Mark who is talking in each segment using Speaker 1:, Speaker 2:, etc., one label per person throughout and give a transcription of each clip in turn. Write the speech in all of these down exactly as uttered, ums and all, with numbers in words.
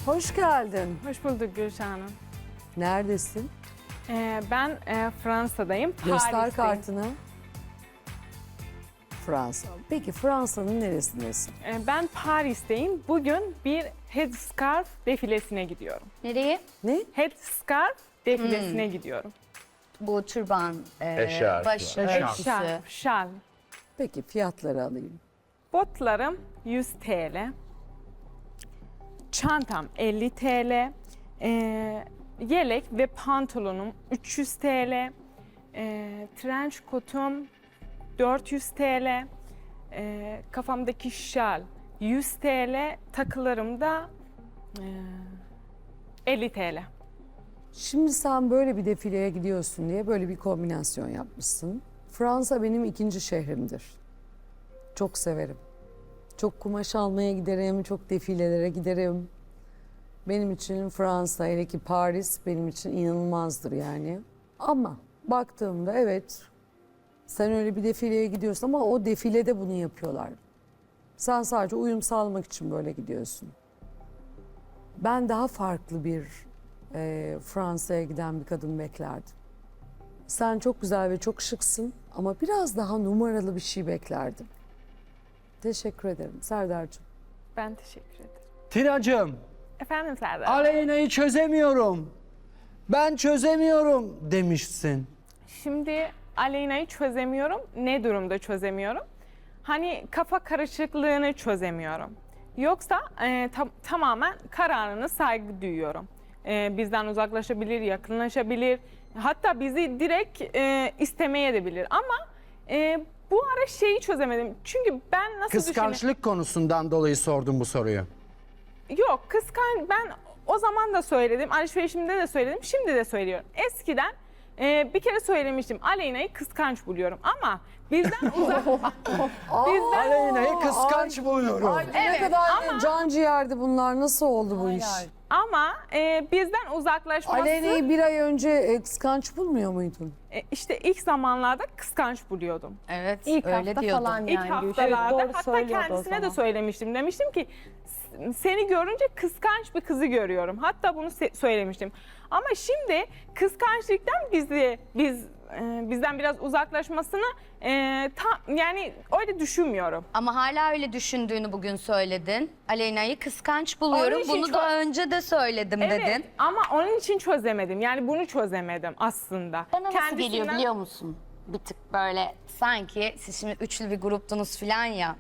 Speaker 1: Hoş geldin.
Speaker 2: Hoş bulduk Gülşah Hanım.
Speaker 1: Neredesin?
Speaker 2: Ee, ben e, Fransa'dayım.
Speaker 1: Göster
Speaker 2: Paris'teyim.
Speaker 1: kartını. Fransa. Peki Fransa'nın neresindesin?
Speaker 2: Ee, ben Paris'teyim. Bugün bir headscarf defilesine gidiyorum.
Speaker 3: Nereye?
Speaker 1: Ne?
Speaker 2: Headscarf defilesine gidiyorum.
Speaker 3: Bu türban, e,
Speaker 4: Eşarpı.
Speaker 3: baş
Speaker 4: Eşarpı.
Speaker 3: örtüsü.
Speaker 2: Şal, şal.
Speaker 1: Peki fiyatları alayım.
Speaker 2: Botlarım yüz TL. Çantam elli TL. Ee, yelek ve pantolonum üç yüz TL. Ee, trench kotum dört yüz TL. Ee, kafamdaki şal yüz TL. Takılarım da e, elli TL.
Speaker 1: Şimdi sen böyle bir defileye gidiyorsun diye böyle bir kombinasyon yapmışsın. Fransa benim ikinci şehrimdir. Çok severim. Çok kumaş almaya giderim, çok defilelere giderim. Benim için Fransa, hele ki Paris benim için inanılmazdır yani. Ama baktığımda evet, sen öyle bir defileye gidiyorsun ama o defilede bunu yapıyorlar. Sen sadece uyum sağlamak için böyle gidiyorsun. Ben daha farklı bir e, Fransa'ya giden bir kadın beklerdim. Sen çok güzel ve çok şıksın ama biraz daha numaralı bir şey beklerdim. Teşekkür ederim Serdar'cığım.
Speaker 2: Ben teşekkür ederim.
Speaker 4: Tina'cığım,
Speaker 2: Efendim Serdar.
Speaker 4: Aleyna'yı çözemiyorum. Ben çözemiyorum demişsin.
Speaker 2: Şimdi Aleyna'yı çözemiyorum. Ne durumda çözemiyorum? Hani kafa karışıklığını çözemiyorum. Yoksa e, tam- tamamen kararına saygı duyuyorum. E, bizden uzaklaşabilir, yakınlaşabilir. Hatta bizi direkt e, istemeye de bilir. Ama e, bu ara şeyi çözemedim. Çünkü ben nasıl düşünüyorum?
Speaker 4: Kıskançlık konusundan dolayı sordum bu soruyu.
Speaker 2: Yok, kıskan ben o zaman da söyledim, alışverişimde de söyledim, şimdi de söylüyorum. Eskiden e, bir kere söylemiştim, Aleyna'yı kıskanç buluyorum ama bizden uzak... bizden,
Speaker 4: Aleyna'yı kıskanç buluyorum.
Speaker 1: Ay, ne kadar can ciğerdi bunlar. Nasıl oldu bu iş?
Speaker 2: ama e, bizden uzaklaşması...
Speaker 1: Aleyna'yı bir ay önce e, kıskanç bulmuyor muydun?
Speaker 2: e, işte ilk zamanlarda kıskanç buluyordum.
Speaker 3: Evet,
Speaker 5: İlk
Speaker 3: öyle
Speaker 5: hafta
Speaker 3: diyordum.
Speaker 5: falan
Speaker 2: İlk
Speaker 5: yani. Gülşah.
Speaker 2: haftalarda
Speaker 5: Evet, doğru
Speaker 2: hatta
Speaker 5: söylüyordu o
Speaker 2: kendisine de
Speaker 5: zaman.
Speaker 2: söylemiştim. Demiştim ki "S- seni görünce kıskanç bir kızı görüyorum. Hatta bunu se- söylemiştim. Ama şimdi kıskançlıktan bizi biz e, bizden biraz uzaklaşmasını e, tam yani öyle düşünmüyorum.
Speaker 3: Ama hala öyle düşündüğünü bugün söyledin. Aleyna'yı kıskanç buluyorum.
Speaker 2: Onun için
Speaker 3: Bunu
Speaker 2: çok-
Speaker 3: da önce de söyledim
Speaker 2: Evet
Speaker 3: dedin.
Speaker 2: ama onun için çözemedim. Yani bunu çözemedim aslında.
Speaker 3: Bana nasıl
Speaker 2: Kendisinden-
Speaker 3: geliyor biliyor musun? Bir tık böyle sanki siz şimdi üçlü bir gruptunuz falan ya.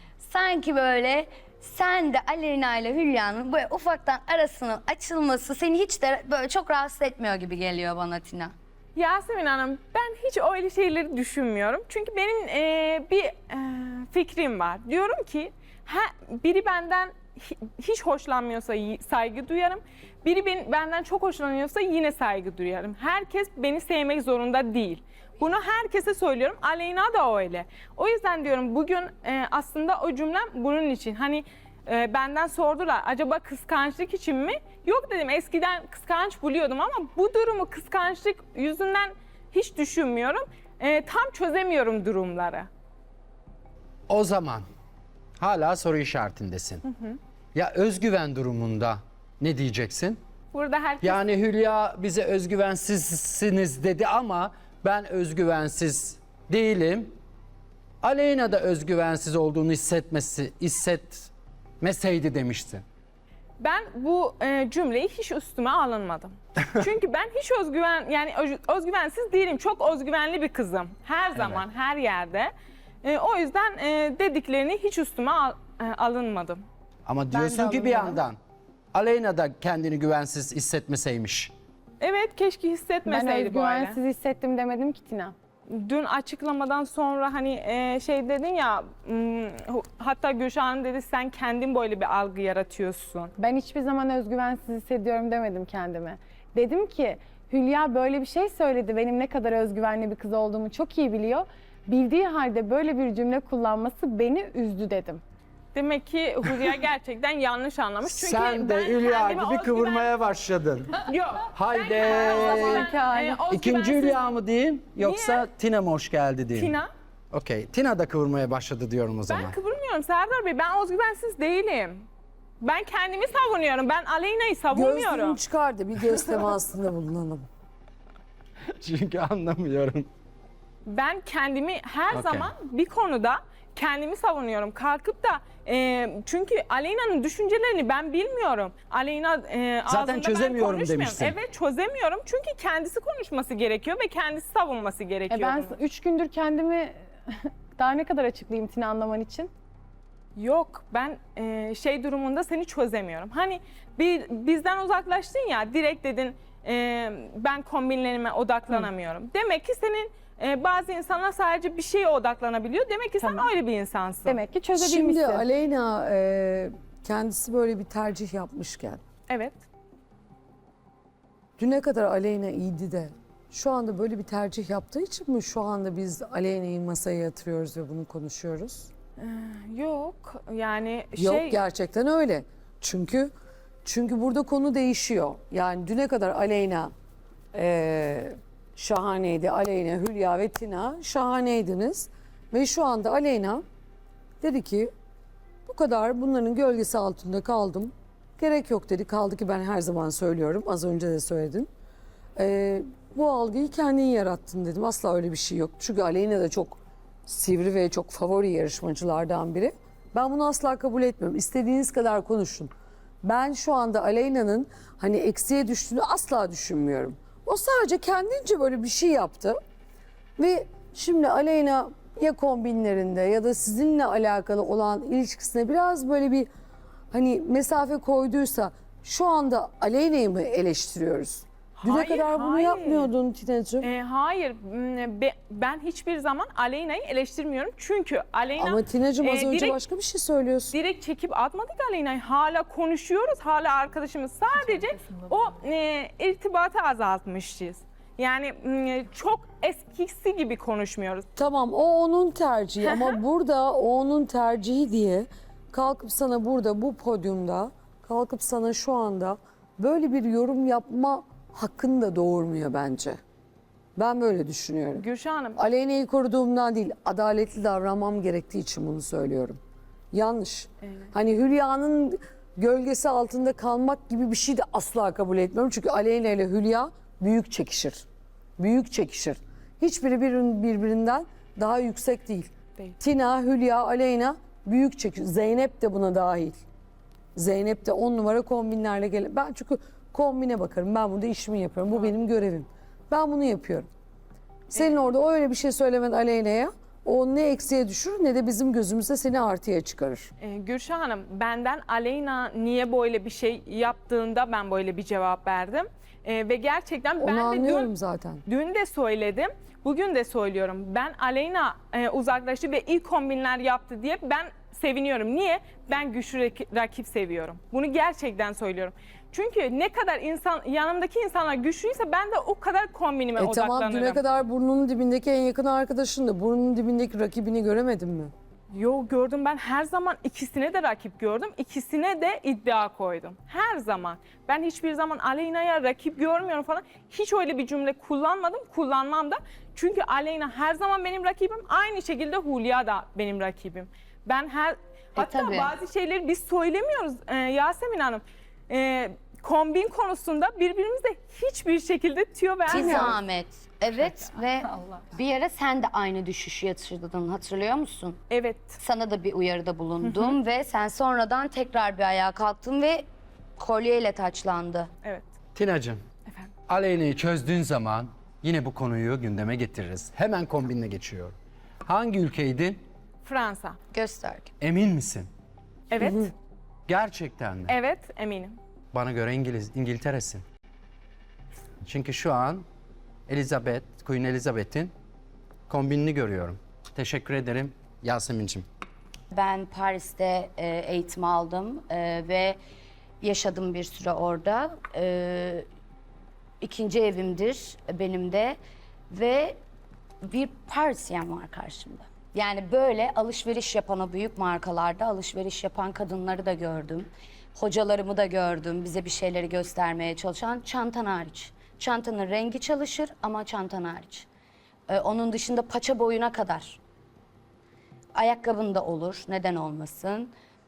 Speaker 3: Sanki böyle sen de Aleyna ile Hülya'nın böyle ufaktan arasının açılması seni hiç de böyle çok rahatsız etmiyor gibi geliyor bana Tina.
Speaker 2: Yasemin Hanım, ben hiç öyle şeyleri düşünmüyorum. Çünkü benim e, bir e, fikrim var. Diyorum ki ha, biri benden hi- hiç hoşlanmıyorsa y- saygı duyarım. Biri ben- benden çok hoşlanıyorsa yine saygı duyarım. Herkes beni sevmek zorunda değil. Bunu herkese söylüyorum. Aleyna da öyle. O yüzden diyorum bugün e, aslında o cümlem bunun için. Hani e, benden sordular acaba kıskançlık için mi? Yok dedim, eskiden kıskanç buluyordum ama bu durumu kıskançlık yüzünden hiç düşünmüyorum. E, tam çözemiyorum durumları.
Speaker 4: O zaman hala soru işaretindesin. Ya özgüven durumunda ne diyeceksin?
Speaker 2: Burada herkes
Speaker 4: Yani Hülya bize özgüvensizsiniz dedi ama ben özgüvensiz değilim. Aleyna da özgüvensiz olduğunu hissetmesi, hissetmeseydi demiştin.
Speaker 2: ben bu e, cümleyi hiç üstüme alınmadım. Çünkü ben hiç özgüven yani öz- özgüvensiz değilim. Çok özgüvenli bir kızım. Her zaman, her yerde. E, o yüzden e, dediklerini hiç üstüme al- e, alınmadım.
Speaker 4: Ama diyorsun ki bir yandan Aleyna da kendini güvensiz hissetmeseymiş.
Speaker 2: Evet, keşke
Speaker 5: Ben
Speaker 2: hissetmeseydi böyle.
Speaker 5: özgüvensiz hissettim demedim ki Tina.
Speaker 2: Dün açıklamadan sonra hani e, şey dedin ya m, hatta Gülşah Hanım dedi sen kendin böyle bir algı yaratıyorsun.
Speaker 5: Ben hiçbir zaman özgüvensiz hissediyorum demedim kendime. Dedim ki Hülya böyle bir şey söyledi. Benim ne kadar özgüvenli bir kız olduğumu çok iyi biliyor. Bildiği halde böyle bir cümle kullanması beni üzdü dedim.
Speaker 2: Demek ki Hülya gerçekten yanlış anlamış. Çünkü
Speaker 4: Sen de
Speaker 2: ben
Speaker 4: Hülya
Speaker 2: kendimi
Speaker 4: gibi
Speaker 2: özgüven-
Speaker 4: kıvırmaya başladın.
Speaker 2: Yok.
Speaker 4: Haydi.
Speaker 2: E,
Speaker 4: İkinci
Speaker 2: özgüvensiz-
Speaker 4: Hülya mı diyeyim yoksa Tina mı hoş geldi diyeyim?
Speaker 2: Tina.
Speaker 4: Okey. Tina da kıvırmaya başladı diyorum o zaman.
Speaker 2: Ben kıvırmıyorum Serdar Bey. Ben özgüvensiz değilim. Ben kendimi savunuyorum. Ben Aleyna'yı
Speaker 1: Gözlüğünü
Speaker 2: savunmuyorum.
Speaker 1: çıkar da bir göz temasında bulunalım.
Speaker 4: Çünkü anlamıyorum.
Speaker 2: Ben kendimi her
Speaker 4: Okey.
Speaker 2: zaman bir konuda kendimi savunuyorum. Kalkıp da e, çünkü Aleyna'nın düşüncelerini ben bilmiyorum. Aleyna e,
Speaker 4: Zaten
Speaker 2: ağzında ben
Speaker 4: çözemiyorum
Speaker 2: konuşmuyorum.
Speaker 4: demişsin.
Speaker 2: Evet, çözemiyorum. Çünkü kendisi konuşması gerekiyor ve kendisi savunması
Speaker 5: E
Speaker 2: gerekiyor.
Speaker 5: ben
Speaker 2: bunu.
Speaker 5: üç gündür kendimi daha ne kadar açıklayayım Tina anlaman için?
Speaker 2: Yok, ben e, şey durumunda seni çözemiyorum. Hani bir bizden uzaklaştın ya, direkt dedin e, ben kombinlerime odaklanamıyorum. Demek ki senin e, bazı insanlar sadece bir şeye odaklanabiliyor. Demek ki
Speaker 5: Tamam.
Speaker 2: sen öyle bir insansın.
Speaker 5: Demek ki çözebilmişsin.
Speaker 1: Şimdi Aleyna e, kendisi böyle bir tercih yapmışken
Speaker 2: Evet.
Speaker 1: düne kadar Aleyna iyiydi de şu anda böyle bir tercih yaptığı için mi şu anda biz Aleyna'yı masaya yatırıyoruz ve bunu konuşuyoruz?
Speaker 2: Yok, yani
Speaker 1: Yok
Speaker 2: şey...
Speaker 1: gerçekten öyle. Çünkü çünkü burada konu değişiyor. Yani düne kadar Aleyna e, şahaneydi. Aleyna, Hülya ve Tina şahaneydiniz. Ve şu anda Aleyna dedi ki bu kadar bunların gölgesi altında kaldım. Gerek yok dedi. Kaldı ki ben her zaman söylüyorum. Az önce de söyledim. E, bu algıyı kendin yarattın dedim. Asla öyle bir şey yok. Çünkü Aleyna da çok sivri ve çok favori yarışmacılardan biri. Ben bunu asla kabul etmiyorum. İstediğiniz kadar konuşun. Ben şu anda Aleyna'nın hani eksiye düştüğünü asla düşünmüyorum. O sadece kendince böyle bir şey yaptı. Ve şimdi Aleyna ya kombinlerinde ya da sizinle alakalı olan ilişkisine biraz böyle bir hani mesafe koyduysa şu anda Aleyna'yı mı eleştiriyoruz? Düne
Speaker 2: Hayır,
Speaker 1: kadar bunu
Speaker 2: hayır.
Speaker 1: yapmıyordun Tina'cığım.
Speaker 2: E, hayır, m, be- ben hiçbir zaman Aleyna'yı eleştirmiyorum. Çünkü Aleyna
Speaker 1: Ama Tina'cığım az
Speaker 2: e,
Speaker 1: önce
Speaker 2: direkt-
Speaker 1: başka bir şey söylüyorsun.
Speaker 2: direkt çekip atmadık Aleyna'yı. Hala konuşuyoruz, hala arkadaşımız. Sadece o e, irtibatı azaltmışız. Yani m, çok eskisi gibi konuşmuyoruz.
Speaker 1: Tamam o onun tercihi ama burada o onun tercihi diye kalkıp sana burada bu podyumda kalkıp sana şu anda böyle bir yorum yapma hakkını da doğurmuyor bence. Ben böyle düşünüyorum.
Speaker 2: Gülşah Hanım,
Speaker 1: Aleyna'yı koruduğumdan değil, adaletli davranmam gerektiği için bunu söylüyorum. Yanlış. Hani Hülya'nın gölgesi altında kalmak gibi bir şey de asla kabul etmiyorum. Çünkü Aleyna ile Hülya büyük çekişir. Büyük çekişir. Hiçbiri bir- birbirinden daha yüksek değil.
Speaker 2: Değil.
Speaker 1: Tina, Hülya, Aleyna büyük çekişir. Zeynep de buna dahil. Zeynep de on numara kombinlerle gel. Ben çünkü kombine bakarım. Ben burada işimi yapıyorum. Bu benim görevim. Ben bunu yapıyorum. Senin orada öyle bir şey söylemen Aleyna'ya o ne eksiye düşürür ne de bizim gözümüzde seni artıya çıkarır.
Speaker 2: e, Gülşah Hanım, benden Aleyna niye böyle bir şey yaptığında ben böyle bir cevap verdim. E, ve gerçekten
Speaker 1: Onu
Speaker 2: ben de
Speaker 1: anlıyorum
Speaker 2: dün,
Speaker 1: zaten.
Speaker 2: dün de söyledim, bugün de söylüyorum. Ben Aleyna e, uzaklaştı ve ilk kombinler yaptı diye ben seviniyorum. Niye? Ben güçlü rak- rakip seviyorum. Bunu gerçekten söylüyorum. Çünkü ne kadar insan yanımdaki insanlar güçlüyse ben de o kadar kombinime
Speaker 1: E
Speaker 2: odaklanırım.
Speaker 1: tamam düne kadar burnunun dibindeki en yakın arkadaşın da burnunun dibindeki rakibini göremedin mi?
Speaker 2: Yo, gördüm, ben her zaman ikisine de rakip gördüm. İkisine de iddia koydum. Her zaman. Ben hiçbir zaman Aleyna'ya rakip görmüyorum falan. Hiç öyle bir cümle kullanmadım. Kullanmam da. Çünkü Aleyna her zaman benim rakibim. Aynı şekilde Hülya da benim rakibim. Ben her hatta
Speaker 3: tabii.
Speaker 2: bazı şeyleri biz söylemiyoruz e, Yasemin Hanım. E, kombin konusunda birbirimize hiçbir şekilde tüyo
Speaker 3: Bir
Speaker 2: vermiyoruz.
Speaker 3: zahmet. Evet ve bir ara sen de aynı düşüşü yatırdın, hatırlıyor musun?
Speaker 2: Evet.
Speaker 3: Sana da bir uyarıda bulundum ve sen sonradan tekrar bir ayağa kalktın ve kolyeyle taçlandı.
Speaker 2: Evet.
Speaker 4: Tina'cığım,
Speaker 2: Efendim.
Speaker 4: Aleyna'yı çözdüğün zaman yine bu konuyu gündeme getiririz. Hemen kombinle geçiyor. Hangi ülkeydin?
Speaker 2: Fransa.
Speaker 3: Gösterge.
Speaker 4: Emin misin?
Speaker 2: Evet.
Speaker 4: Gerçekten mi?
Speaker 2: Evet, eminim.
Speaker 4: Bana göre İngiliz, İngiltere'sin. Çünkü şu an Elizabeth, Queen Elizabeth'in kombinini görüyorum. Teşekkür ederim Yasemin'cim.
Speaker 3: Ben Paris'te e, eğitim aldım e, ve yaşadım bir süre orada. E, ikinci evimdir benim de ve bir Parisyen var karşımda. Yani böyle alışveriş yapan o büyük markalarda alışveriş yapan kadınları da gördüm. Hocalarımı da gördüm, bize bir şeyleri göstermeye çalışan, çantan hariç. Çantanın rengi çalışır ama çantan hariç. E, onun dışında paça boyuna kadar. Ayakkabın da olur, neden olmasın.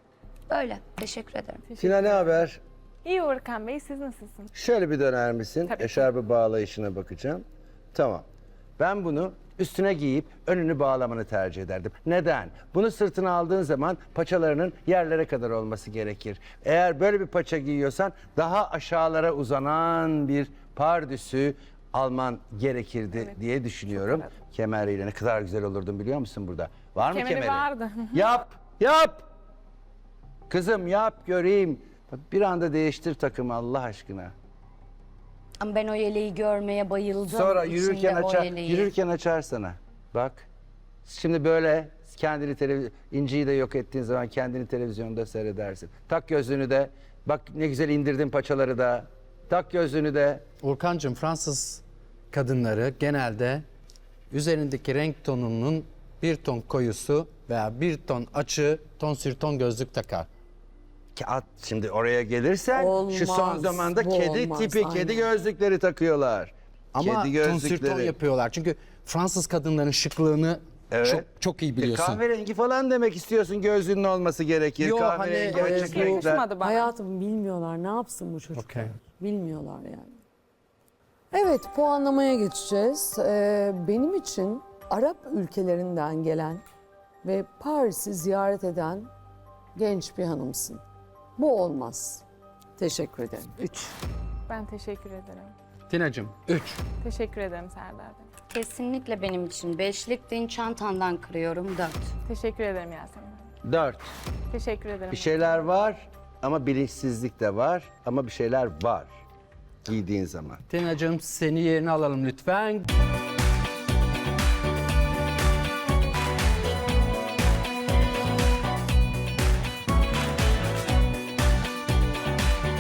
Speaker 3: Böyle. Teşekkür ederim.
Speaker 6: Tina ne haber?
Speaker 2: İyi Uğurkan Bey, siz nasılsınız?
Speaker 6: Şöyle bir döner misin?
Speaker 2: Tabii ki.
Speaker 6: Eşarbı bağlayışına bakacağım. Tamam. Ben bunu üstüne giyip önünü bağlamanı tercih ederdim. Neden? Bunu sırtına aldığın zaman paçalarının yerlere kadar olması gerekir. Eğer böyle bir paça giyiyorsan daha aşağılara uzanan bir pardüsü alman gerekirdi diye düşünüyorum. Kemeriyle ne kadar güzel olurdun biliyor musun burada? Var mı
Speaker 2: Kemeri
Speaker 6: kemeri?
Speaker 2: vardı.
Speaker 6: Yap, yap. Kızım yap göreyim. Bir anda değiştir takımı Allah aşkına.
Speaker 3: Ama ben o yeleği görmeye bayıldım.
Speaker 6: Sonra
Speaker 3: İçinde
Speaker 6: yürürken
Speaker 3: o
Speaker 6: açar,
Speaker 3: yeleği.
Speaker 6: yürürken açar sana. Bak. Şimdi böyle kendini televizyon, İnci'yi de yok ettiğin zaman kendini televizyonda seyredersin. Tak gözlüğünü de. Bak ne güzel indirdin paçaları da. Tak gözlüğünü de.
Speaker 4: Urkancığım, Fransız kadınları genelde üzerindeki renk tonunun bir ton koyusu veya bir ton açığı ton sür ton gözlük takar.
Speaker 6: Ki at şimdi oraya gelirsen
Speaker 1: Olmaz,
Speaker 6: şu son zamanda
Speaker 1: bu
Speaker 6: kedi
Speaker 1: olmaz,
Speaker 6: tipi kedi
Speaker 1: aynen.
Speaker 6: gözlükleri takıyorlar.
Speaker 4: Ama
Speaker 6: kedi
Speaker 4: ton sür ton yapıyorlar. Çünkü Fransız kadınların şıklığını
Speaker 6: Evet.
Speaker 4: çok çok iyi
Speaker 6: E,
Speaker 4: biliyorsun.
Speaker 6: kahverengi falan demek istiyorsun, gözlüğünün olması gerekir.
Speaker 4: Yo,
Speaker 6: kahverengi
Speaker 4: hani, e,
Speaker 6: açık
Speaker 4: bu-
Speaker 6: renkler.
Speaker 2: Yakışmadı bana.
Speaker 1: Hayatım bilmiyorlar. Ne yapsın bu çocuklar?
Speaker 4: Okey.
Speaker 1: Bilmiyorlar yani. Evet, puanlamaya geçeceğiz. Ee, benim için Arap ülkelerinden gelen ve Paris'i ziyaret eden genç bir hanımsın. Bu olmaz. Teşekkür ederim. Üç.
Speaker 2: Ben teşekkür ederim.
Speaker 4: Tina'cığım üç.
Speaker 2: Teşekkür ederim Serdar Bey.
Speaker 3: Kesinlikle benim için. Beşlik din çantandan kırıyorum. Dört.
Speaker 2: Teşekkür ederim Yasemin Hanım.
Speaker 6: Dört.
Speaker 2: Teşekkür ederim.
Speaker 6: Bir şeyler var ama bilinçsizlik de var ama bir şeyler var giydiğin zaman.
Speaker 4: Tina'cığım, seni yerine alalım lütfen.